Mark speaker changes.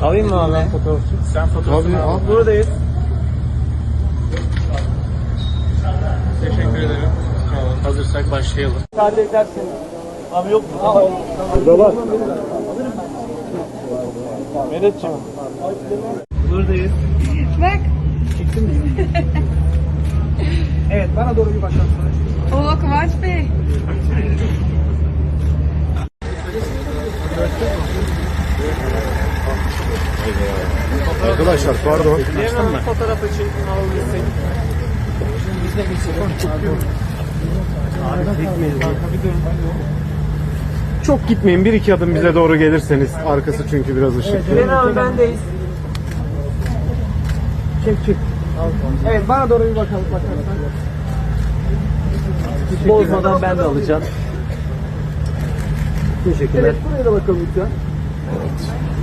Speaker 1: Alayım mı abi?
Speaker 2: Sen fotoğrafını al.
Speaker 1: Buradayız.
Speaker 2: Teşekkür ederim. Tamam. Hazırsak başlayalım.
Speaker 1: Müsaade ederseniz. Abi yok mu?
Speaker 3: Burada var.
Speaker 1: Mehmetciğim. Buradayız.
Speaker 4: Bak.
Speaker 1: Çektin mi? Evet, bana doğru bir bakalım.
Speaker 4: Oo Kıvanç Bey.
Speaker 3: Arkadaşlar pardon.
Speaker 1: Hemen fotoğraf için alabilsek. Biz de geçelim. Abi çekmeyin.
Speaker 3: Çok gitmeyin. Bir iki adım bize doğru gelirseniz. Arkası çünkü biraz ışıklı.
Speaker 1: Gülen abi bendeyiz. Çek. Evet, bana doğru bir bakalım. Bozmadan ben de alacağım. Teşekkürler. Evet, buraya da bakalım lütfen.